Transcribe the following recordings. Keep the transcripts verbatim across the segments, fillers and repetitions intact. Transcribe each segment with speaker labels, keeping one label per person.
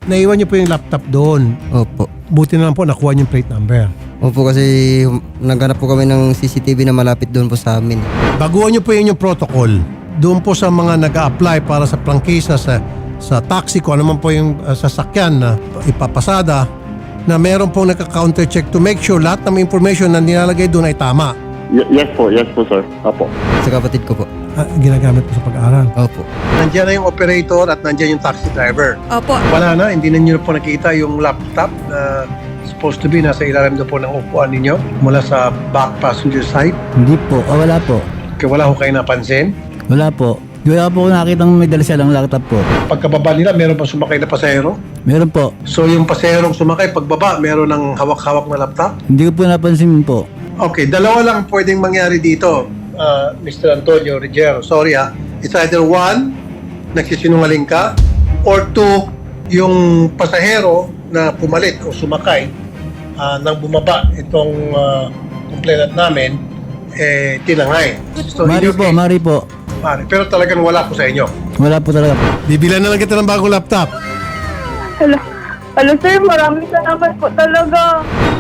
Speaker 1: Naiwan niyo po yung laptop doon.
Speaker 2: Opo.
Speaker 1: Buti na lang po nakuha niyo yung plate number.
Speaker 2: Opo, kasi naghanap po kami ng C C T V na malapit doon po sa amin.
Speaker 1: Baguhan niyo po yun yung protocol. Doon po sa mga nag-a-apply para sa prangkisa sa sa taxi ko, ano man po yung uh, sasakyan na ipapasada, na meron pong nagka-counter check to make sure lahat ng information na nilalagay doon ay tama.
Speaker 3: Y- yes po, yes po sir. Apo.
Speaker 2: Sa kapatid ko po.
Speaker 1: Ah, ginagamit po sa pag-aaral.
Speaker 2: Opo.
Speaker 1: Nandiyan na yung operator at nandiyan yung taxi driver.
Speaker 4: Opo.
Speaker 1: Wala na, hindi na nyo po nakita yung laptop na supposed to be nasa ilalim na po ng upuan ninyo mula sa back passenger side.
Speaker 5: Hindi po. Ah, wala po.
Speaker 1: Kaya wala ko kayo napansin.
Speaker 5: Wala po. Wala po nakita may dala silang laptop po.
Speaker 1: Pagkababa nila, meron pa sumakay na pasahero.
Speaker 5: Meron po.
Speaker 1: So yung pasaherong sumakay, pagbaba, meron ng hawak-hawak na laptop.
Speaker 5: Hindi ko po napansin po.
Speaker 1: Okay, dalawa lang pwedeng mangyari dito, uh, Mister Antonio Ruggiero. Sorry ha. It's either one, nagsisinungaling ka, or two, yung pasahero na pumalit o sumakay uh, nang bumaba itong uh, complainant namin, eh, tinangay. So, in
Speaker 5: Mari
Speaker 1: your
Speaker 5: po,
Speaker 1: case,
Speaker 5: mari po.
Speaker 1: pare, pero talagang wala po sa inyo.
Speaker 5: Wala po talaga po.
Speaker 1: Bibilan na lang kita ng bagong laptop.
Speaker 4: Hello. Hello sir, maraming salamat po talaga.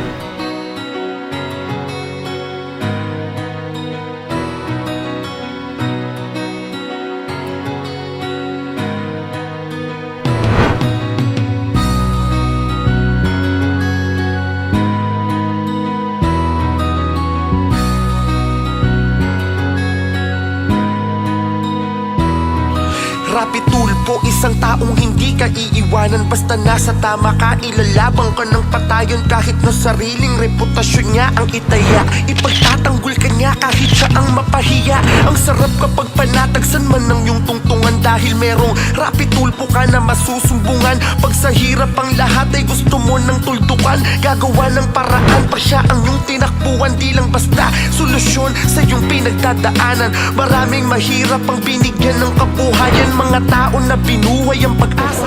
Speaker 6: Rapi tulpo, isang taong hindi ka iiwanan. Basta nasa tama ka, ilalabang ka ng patayon. Kahit na sariling reputasyon niya ang itaya, ipagtatanggol ka niya kahit siya ang mapahiya. Ang sarap kapag panatagsan man ng iyong tungtungan, dahil merong rapi tulpo ka na masusumbungan. Pag sa hirap ang lahat ay gusto mo ng tuldukan, gagawa ng paraan pa siya ang iyong tinakbuhan. Di lang basta solusyon sa iyong pinagdadaanan. Maraming mahirap ang binigyan ng kabuhayan, mga tao na binuhay ang pag-asa.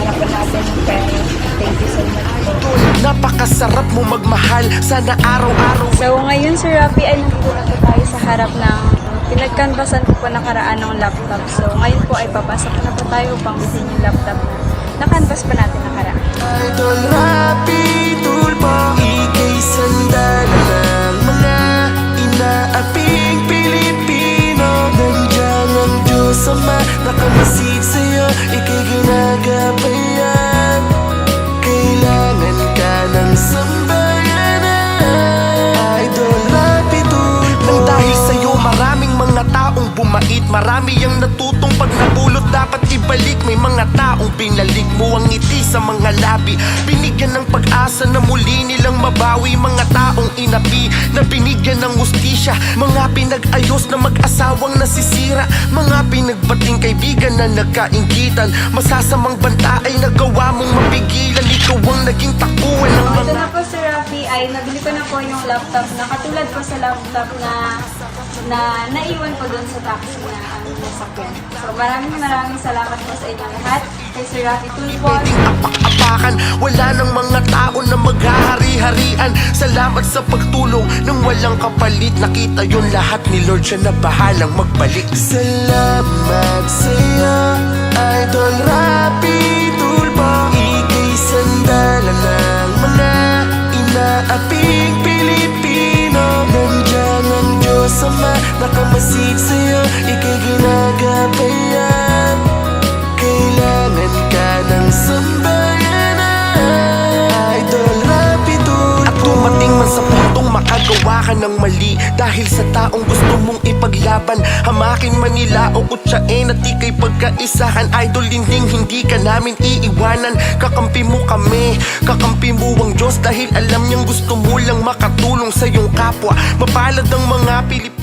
Speaker 6: Napakasarap mo magmahal, sana araw-araw.
Speaker 7: So ngayon Sir Rafi ay nandito na po tayo sa harap ng pinagkanbasan ko po nakaraan ng laptop. So ngayon po ay papasok na po tayo upang bisin yung laptop na nakanvas pa natin nakaraan.
Speaker 6: Idol Rapi Tulpo, ika'y sandala ng mga inaaping Pilipino. Nandiyan ang Diyos Ama, nakamasid sa'yo, ika'y ginagabayan. Kailangan ka ng sambayanan, Idol Rapi Tulpo. Nang dahil sa'yo maraming mga taong bumait, marami ang natutong pag nabulot dapat ibalik. May mga taong pinalik mo ang ngiti sa mga labi, binigyan ng pag-asa na muli nilang mabawi. Mga taong inapi na binigyan ng hustisya, mga pinag-ayos na mag-asawang nasisira, mga pinagbating kaibigan na nagkainggitan. Masasamang banta ay nagawa mong mapigilan, ikaw ang naging takbuhan ng
Speaker 7: Ito
Speaker 6: mga.
Speaker 7: na po Sir Rafi ay nabili ko na po yung laptop na katulad po sa laptop na na naiwan po doon sa taxi na aming nasakyan. So maraming maraming salamat po sa inyo lahat. Kay Sir Rafi Tulpo.
Speaker 6: Pwedeng apak-apakan, wala ng mga tao na maghahari-harian. Salamat sa pagtulong nang walang kapalit. Nakita yun lahat ni Lord, siya na bahalang magbalik. Salamat sa'yo, Idol Rapi Tulpo. Ika'y sandala ng mga inaaping Pilipino. Nandiyan ang Diyos Ama, nakamasid sa'yo, ika'y ginagabayan. Kailangan ka ng sambayanan, Idol Rapi Tulpo. At dumating man sa puntong makagawa ka ng mali, dahil sa taong gusto mong ipaglaban, hamakin man nila o kutsain at ika'y pagkaisahan. Idol, linding hindi ka namin iiwanan. Kakampi mo kami, kakampi mo ang Diyos, dahil alam niyang gusto mo lang makatulong sa iyong kapwa. Mapalad ang mga Pilipino